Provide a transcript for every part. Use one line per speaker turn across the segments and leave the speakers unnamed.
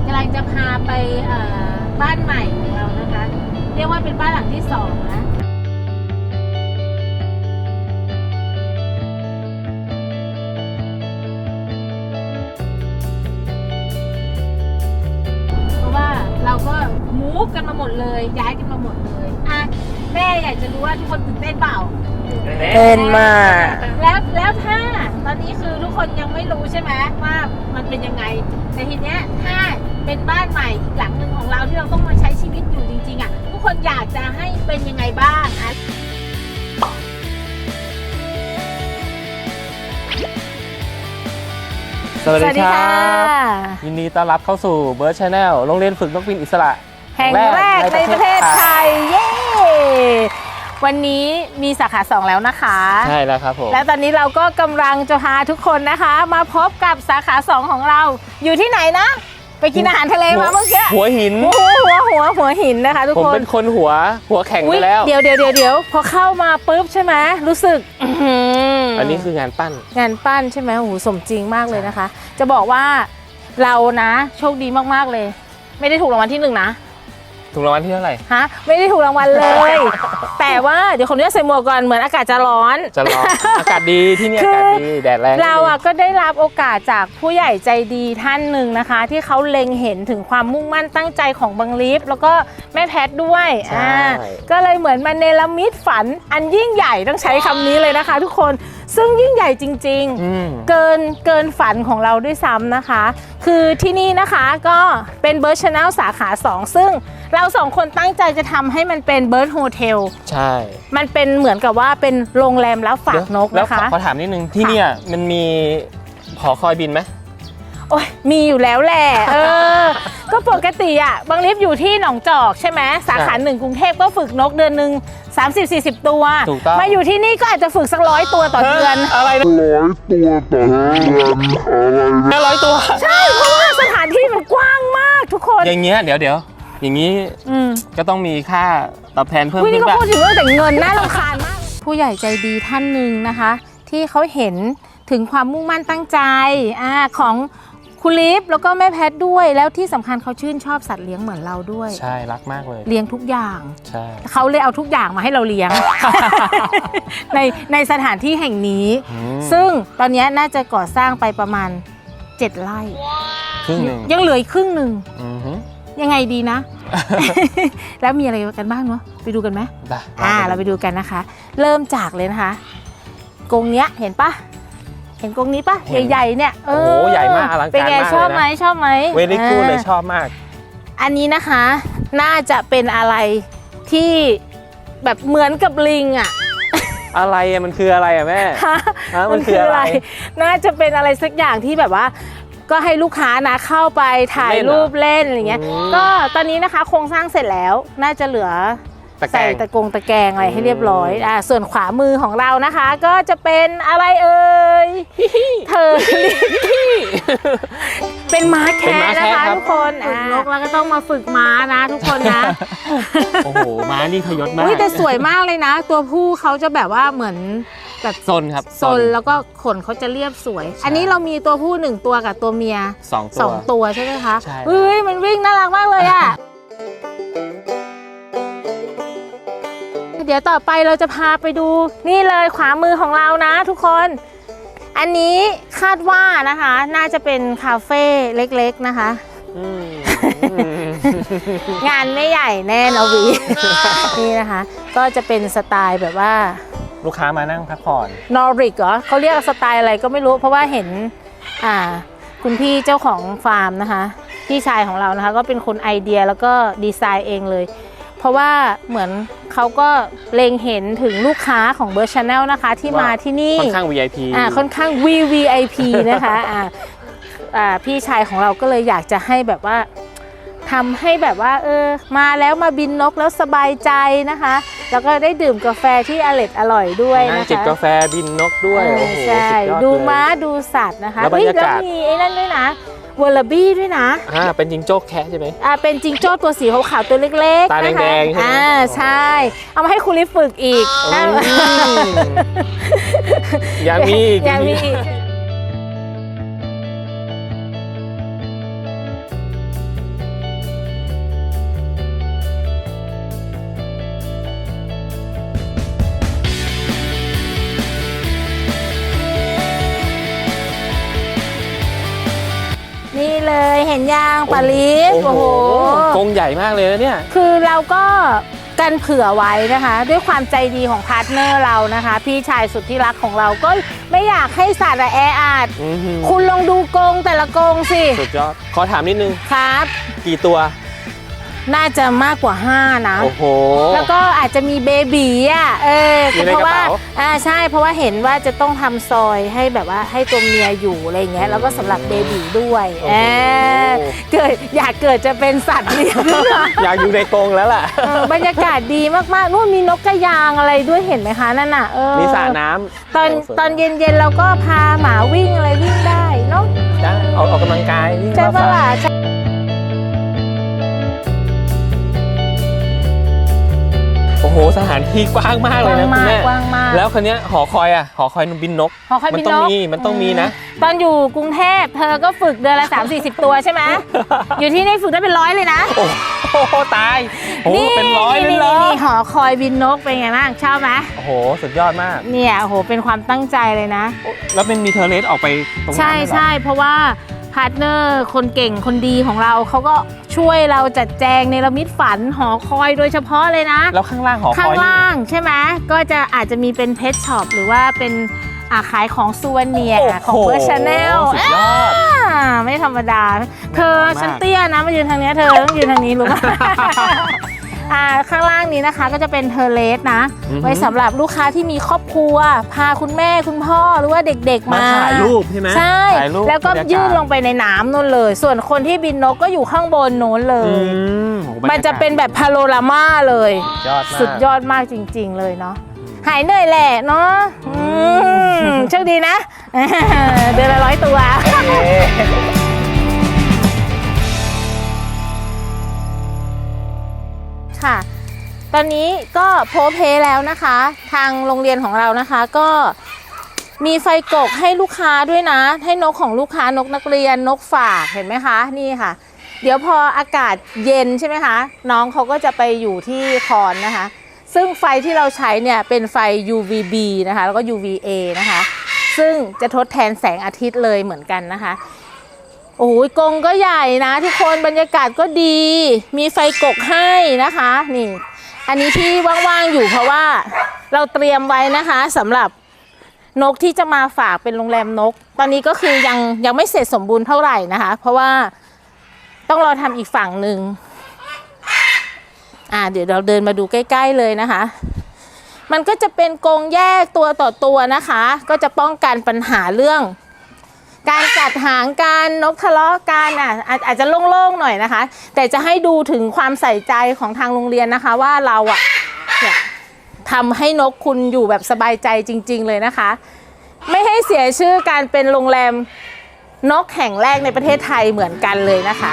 กำลังจะพาไปบ้านใหม่ของเรานะคะเรียกว่าเป็นบ้านหลังที่2นะเพราะว่าเราก็มูฟกันมาหมดเลยย้ายกันมาหมดเลยอ่ะแม่อยากจะรู้ว่าทุกคนตื่นเต้นเปล่า
เต้นมาก
แล้วถ้าตอนนี้คือทุกคนยังไม่รู้ใช่ไหมว่ามันเป็นยังไงแต่ทีเนี้ยถ้าเป็นบ้านใหม่อีกหลังหนึ่งของเราที่เราต้องมาใช้ชีวิตอยู่จริงๆอ่ะทุกคนอยากจะให้เป็นยังไงบ้างอ่ะ
สวัสดีครับยินดีต้อนรับเข้าสู่ Bird Channel โรงเรียนฝึกนกบินอิสระ
แห่งแรกในประเทศไทยเย้วันนี้มีสาขา2แล้วนะคะ
ใช่แล้วครับผม
แล้วตอนนี้เราก็กำลังจะพาทุกคนนะคะมาพบกับสาขา2ของเราอยู่ที่ไหนนะไปกินอาหารทะเลมาเมื่อกี้
หัวหิน
หัวหินนะคะทุกคน
ผมเป็นคนหัวแข็งไปแล้ว
เดี๋ยวพอเข้ามาปุ๊บใช่ไหมรู้สึก
อันนี้คืองานปั้น
ใช่ไหมโอ้โหสมจริงมากเลยนะคะจะบอกว่าเรานะโชคดีมากๆเลยไม่ได้ถูกรางวัลที่1นะ
ถูกรางวัลที่เท่าไหร่
ฮะไม่ได้ถูกรางวัลเลย แต่ว่าเดี๋ยวคนนี้ใส่หมวกก่อนเหมือนอากาศจะร้อน
อากาศดีที่นี่อากาศดีแดดแรง
เราอ่ะก็ได้รับโอกาสจากผู้ใหญ่ใจดีท่านหนึ่งนะคะที่เขาเล็งเห็นถึงความมุ่งมั่นตั้งใจของบังลีฟแล้วก็แม่แพทด้วยก็เลยเหมือนมาเนรมิตฝันอันยิ่งใหญ่ต้องใช้คำนี้เลยนะคะทุกคนซึ่งยิ่งใหญ่จริงๆเกินฝันของเราด้วยซ้ำนะคะคือที่นี่นะคะก็เป็น Bird Channel สาขา2ซึ่งเรา2คนตั้งใจจะทำให้มันเป็น Bird Hotel
ใช่
มันเป็นเหมือนกับว่าเป็นโรงแรมรับฝากนกนะคะ
แล้วขอถามนิดนึงที่เนี่ยมันมีหอคอยบินไหม
โอ้ยมีอยู่แล้วแหละก็ปกติอ่ะบางลิฟอยู่ที่หนองจอกใช่ไหมสาขา1กรุงเทพก็ฝึกนกเดือนหนึ่ง30-40 ตัวมาอยู่ที่นี่ก็อาจจะฝึกสัก100 ตัวต่อเดือน
อะไร100 ตัวต่อเดือนอะไร100 ตัว
ใช่เพราะว่าสถานที่มันกว้างมากทุกคน
อย่างเงี้ยเดี๋ยวอย่างนี้ก็ต้องมีค่าตอบแทนเพิ่มขึ้น
นี่ก็พูดถึงเรื่องแต่เงินน่ารำคาญมากผู้ใหญ่ใจดีท่านหนึ่งนะคะที่เขาเห็นถึงความมุ่งมั่นตั้งใจของคุณลิฟแล้วก็แม่แพทด้วยแล้วที่สำคัญเขาชื่นชอบสัตว์เลี้ยงเหมือนเราด้วย
ใช่รักมากเลย
เลี้ยงทุกอย่าง
ใช่
เขาเลยเอาทุกอย่างมาให้เราเลี้ยง ในสถานที่แห่งนี้ซึ่งตอนนี้น่าจะก่อสร้างไปประมาณ7 ไร่
ครึ่งนึง
ยังเหลืออีกครึ่งหนึ่งยังไงดีนะ แล้วมีอะไรกันบ้างเนาะไปดูกันไหมเราไปดูกันนะคะเริ่มจากเลยนะคะกรงเนี้ยเห็นปะเห็นกรงนี้ปะใหญ่ๆเนี่ย
โอ้โหใหญ่มากอลังการมาก
เป็นไงชอบไหม
เวลี่กูดเลยชอบมาก
อันนี้นะคะน่าจะเป็นอะไรที่แบบเหมือนกับลิงอะ
อะไรมันคืออะไรอะแม่มันคืออะไร
น่าจะเป็นอะไรสักอย่างที่แบบว่าก็ให้ลูกค้านะเข้าไปถ่ายรูปเล่นอะไรเงี้ยก็ตอนนี้นะคะโครงสร้างเสร็จแล้วน่าจะเหลือใส่ตะแกรงอะไรให้เรียบร้อยส่วนขวามือของเรานะคะก็จะเป็นอะไรเอ่ยเธอเป็นม้าแคะนะคะทุกคนฝึกนกแล้วก็ต้องมาฝึกม้านะทุกคนนะ
โอ้โหม้านี่พยศมาก
แต่สวยมากเลยนะตัวผู้เขาจะแบบว่าเหมือนแบบ
ซนครับ
ซนแล้วก็ขนเขาจะเรียบสวยอันนี้เรามีตัวผู้1 ตัวกับตัวเมีย2 ตัวใช่ไหมคะมันวิ่งน่ารักมากเลยอ่ะเดี๋ยวต่อไปเราจะพาไปดูนี่เลยขวามือของเรานะทุกคนอันนี้คาดว่านะคะน่าจะเป็นคาเฟ่เล็กๆนะคะงานไม่ใหญ่แน่นะวีนี่นะคะก็จะเป็นสไตล์แบบว่า
ลูกค้ามานั่งพักผ่อน
นอริกเหรอเขาเรียกสไตล์อะไรก็ไม่รู้เพราะว่าเห็นคุณพี่เจ้าของฟาร์มนะคะพี่ชายของเรานะคะก็เป็นคนไอเดียแล้วก็ดีไซน์เองเลยเพราะว่าเหมือนเขาก็เล็งเห็นถึงลูกค้าของ Bird Channel นะคะที่มาที่นี่
ค่อนข้าง VIP
ค่อนข้าง VVIP นะคะพี่ชายของเราก็เลยอยากจะให้แบบว่าทำให้แบบว่ามาแล้วมาบินนกแล้วสบายใจนะคะแล้วก็ได้ดื่มกาแฟที่อร่อยด้วยนะคะ
จิบกาแฟบินนกด้วย
ใช่ดูม้าดูสัตว์นะคะแล้วมีไอ้นั่นด้วยนะวอลลบี้ด้วยนะ
เป็นจิงโจ้แคะใช่ไหม
เป็นจิงโจ้ตัวสีขาวๆตัวเล็ก
ๆตาแดงๆใช่ไหม
ใช่เอามาให้คุณลิฟฝึกอีก
อย่ามี
นเลยเห็นยางปลาลิฟโอ้โห
กรงใหญ่มากเลยนะเนี่ย
คือเราก็กันเผื่อไว้นะคะ ด้วยความใจดีของพาร์ทเนอร์เรานะคะ พี่ชายสุดที่รักของเราก็ไม่อยากให้สัตว์แออัดคุณลองดูกรงแต่ละกรงสิ
สุดยอดขอถามนิดนึง
ครับ
กี่ตัว
น่าจะมากกว่า 5 นะ
โอ้โห
แล้วก็อาจจะมีเบบีอ่ะ
อยู่ใน
เพราะว่าก
ระเป๋า
ใช่เพราะว่าเห็นว่าจะต้องทำซอยให้แบบว่าให้ตัวเมียอยู่อะไรเงี้ยแล้วก็สำหรับเบบีด้วยเกิดอยากเกิดจะเป็นสัตว์เลี้ยง
อยากอยู่ในกรงแล้วล่ะ
บรรยากาศดีมากๆนู่นมีนกกระยางอะไรด้วยเห็นไหมคะนั่นน่ะ
มีสระน้ำ
ตอนเย็นๆเราก็พาหมาวิ่งอะไรวิ่งได้เนาะ
ได้ออกกำลังกายวิ่ง
ใช่ปะล่ะ
โอ้โหสถานที่กว้างมากเลยนะคุณแม่
กว้างมาก
แล้วคันนี้หอคอยหอคอยบินนก
หอคอยบินนก
มันต้องมีนะ
ตอนอยู่กรุงเทพเธอก็ฝึกเดือนละ 30-40 ตัวใช่ไหม อยู่ที่นี่ฝึกได้เป็น100เลยนะ
โอ้โหตายโอ้เป็นร้อยเลยเหรอ
นี่หอคอยบินนกเป็นไงบ้างชอบไหม
โอ้โหสุดยอดมาก
เนี่ยโอ้โหเป็นความตั้งใจเลยนะ
แล้วเป็นมีเทอร์เลสออกไปตรงนั้น
ใช่เพราะว่าพาร์ทเนอร์คนเก่งคนดีของเราเขาก็ช่วยเราจัดแจงในระมิดฝันหอคอยโดยเฉพาะเลยนะ
แล้วข้างล่างหอคอย
ข้างล่างใช่ไหมก็จะอาจจะมีเป็นเพชช็อปหรือว่าเป็นขายของซูเวเนียร์ของเบอร์ชาแนล
สุดยอด
ไม่ธรรมดาเธอฉันเตี้ยนะมายืนทางนี้เธอต้องยืนทางนี้รู้ไหม ข้างล่างนี้นะคะก็จะเป็นเทอร์เลสนะไว้สำหรับลูกค้าที่มีครอบครัวพาคุณแม่คุณพ่อหรือว่าเด็กๆมา
ถ่ายรูปใช่ไหม
ใช่
ถ่ายรูป
แล้วก็ยื่นลงไปในน้ำนู่นเลย ส่วนคนที่บินนกก็อยู่ข้างบนโน้นเลยมันจะเป็นแบบพาโนรามาเลยสุดยอดมากจริงๆเลยเนาะหายเหนื่อยแหละเนาะโชคดีนะ เดือนละ100 ตัวค่ะตอนนี้ก็โพสเพแล้วนะคะทางโรงเรียนของเรานะคะก็มีไฟกกให้ลูกค้าด้วยนะให้นกของลูกค้านกนักเรียนนกฝากเห็นไหมคะนี่ค่ะเดี๋ยวพออากาศเย็นใช่ไหมคะน้องเขาก็จะไปอยู่ที่คอนนะคะซึ่งไฟที่เราใช้เนี่ยเป็นไฟ UVB นะคะแล้วก็ UVA นะคะซึ่งจะทดแทนแสงอาทิตย์เลยเหมือนกันนะคะโอ้ยกรงก็ใหญ่นะทุกคนบรรยากาศก็ดีมีไฟกกให้นะคะนี่อันนี้ที่ว่างๆอยู่เพราะว่าเราเตรียมไว้นะคะสำหรับนกที่จะมาฝากเป็นโรงแรมนกตอนนี้ก็คือยังไม่เสร็จสมบูรณ์เท่าไหร่นะคะเพราะว่าต้องรอทำอีกฝั่งหนึ่งเดี๋ยวเราเดินมาดูใกล้ๆเลยนะคะมันก็จะเป็นกรงแยกตัวต่อตัวนะคะก็จะป้องกันปัญหาเรื่องการกัดหางการนกทะเลาะกันอาจจะโล่งๆหน่อยนะคะแต่จะให้ดูถึงความใส่ใจของทางโรงเรียนนะคะว่าเราเนี่ยทำให้นกคุณอยู่แบบสบายใจจริงๆเลยนะคะไม่ให้เสียชื่อการเป็นโรงแรมนกแห่งแรกในประเทศไทยเหมือนกันเลยนะคะ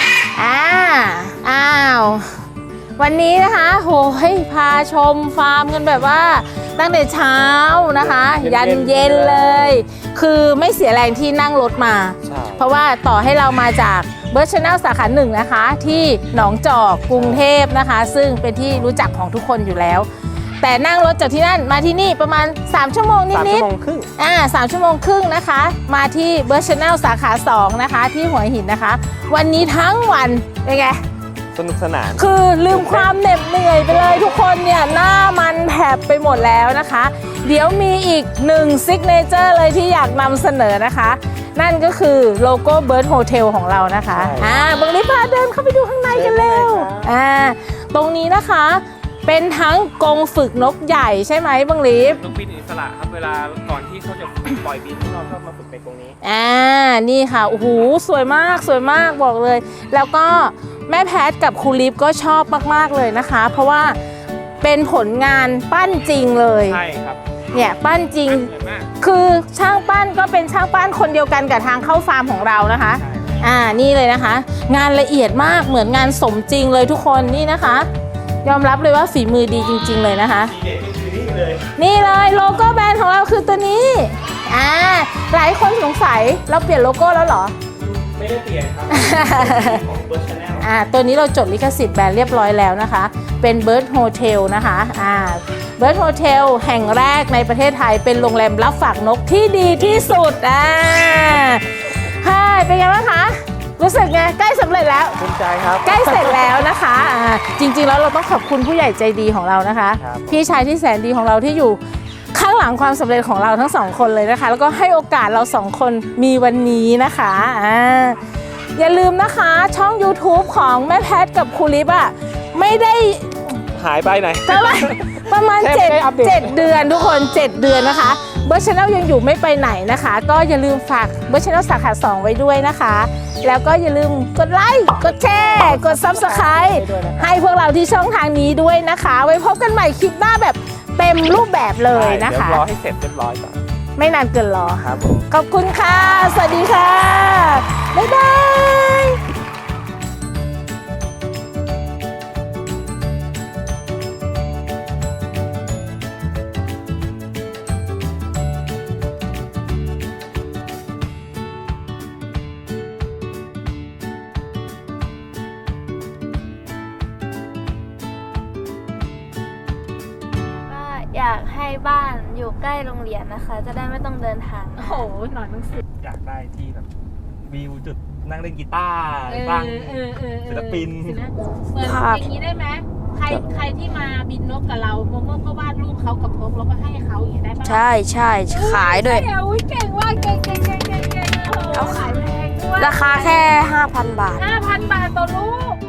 วันนี้นะคะโหยพาชมฟาร์มกันแบบว่าตั้งแต่เช้านะคะยันเย็นเลยคือไม่เสียแรงที่นั่งรถมาเพราะว่าต่อให้เรามาจากเบิร์ดชาแนลสาขา1นะคะที่หนองจอกกรุงเทพนะคะซึ่งเป็นที่รู้จักของทุกคนอยู่แล้วแต่นั่งรถจากที่นั่นมาที่นี่ประมาณ3 ชั่วโมงนิดๆ3 ชั่วโมงครึ่งนะคะมาที่เบิร์ดชาแนลสาขา2นะคะที่หัวหินนะคะวันนี้ทั้งวันเป็นไง
สนุกสนาน
คือลืมความเหน็ดเหนื่อยไปเลยทุกคนเนี่ยหน้ามันแผบไปหมดแล้วนะคะเดี๋ยวมีอีก1ซิกเนเจอร์เลยที่อยากนำเสนอนะคะนั่นก็คือโลโก้เบิร์ดโฮเทลของเรานะคะบังลิฟพาเดินเข้าไปดูข้างในกันเร็วตรงนี้นะคะเป็นทั้งกรงฝึกนกใหญ่ใช่ไหมบังลิฟ
นกบินอิสระครับเวลาก่อนที่เขาจะปล่อยบินพวกเราชอบมาฝึกในตรงนี้
นี่ค่ะโอ้โหสวยมากบอกเลยแล้วก็แม่แพทกับครูลิฟก็ชอบมากๆเลยนะคะเพราะว่าเป็นผลงานปั้นจริงเลย
ใช่ครับ
เนี่ยปั้นจริงคือช่างปั้นก็เป็นช่างปั้นคนเดียวกันกับทางเข้าฟาร์มของเรานะคะนี่เลยนะคะงานละเอียดมากเหมือนงานสมจริงเลยทุกคนนี่นะคะยอมรับเลยว่าฝีมือดีจริงๆเลยนะคะนี่เลยโลโก้แบรนด์ของเราคือตัวนี้หลายคนสงสัยเราเปลี่ยนโลโก้แล้วเหรอ
ไม่ได้เปลี่ยนครับของเบิร์ดชาแนล
ตัวนี้เราจดลิขสิทธิ์แบรนด์เรียบร้อยแล้วนะคะเป็น Bird Hotel นะคะBird Hotel แห่งแรกในประเทศไทยเป็นโรงแรมรับฝากนกที่ดีที่สุดเป็นไงบ้างคะรู้รู้สึกไงใกล้สำเร็จแล้ว
ภูมิใจครับ
ใกล้เสร็จแล้วนะคะจริงๆแล้วเราต้องขอบคุณผู้ใหญ่ใจดีของเรานะคะ
ครับ
พี่ชายที่แสนดีของเราที่อยู่ข้างหลังความสำเร็จของเราทั้งสองคนเลยนะคะ แล้วก็ให้โอกาสเราสองคนมีวันนี้นะคะอย่าลืมนะคะช่อง YouTube ของแม่แพทกับครูลิปอะไม่ได้
หายไปไหน
เท่าไหร่ประมาณ
แทบไม่ได้อัปเดต
7 เดือนทุกคน 7 เดือนนะคะเบอร์ชแนลยังอยู่ไม่ไปไหนนะคะ ก็อย่าลืมฝากเบอร์ชแนลสาขา2ไว้ด้วยนะคะ แล้วก็อย่าลืมกดไลค์กดแชร์กด Subscribe ให้พวกเราที่ช่องทางนี้ด้วยนะคะ ไว้พบกันใหม่คลิปหน้าแบบเต็มรูปแบบเลยนะ
เดี๋ยว
คะ
รอให้เสร็จเรียบร้อยก่อน
ไม่นานเกินรอ
ครับผม
ขอบคุณค่ะ สวัสดีค่ะ บ๊ายบาย
ก็อยากให้บ้านอยู่ใกล้โรงเรียนนะคะ จะได้ไม่ต้องเดินทาง
โอ้โห หน่อยหนังสือ
อยากได้ที่แบบวิวจุดนั่งเล่นกีตาร์บ้างศิลปิน
เหมือนอย่างนี้ได้ไหมใครที่มาบินนกกับเราโมโม่ก็วาดรูปเขากับนกแล้วก็ให้เขาอย่างนี้ได้ปะ
ใช่ใช่ขายด้วย
อุ้ยเก่งว่ะเก่งโอ้โหขายแพงด้วย
ราคาแค่ 5,000 บาท
5,000 บาทต่อลูก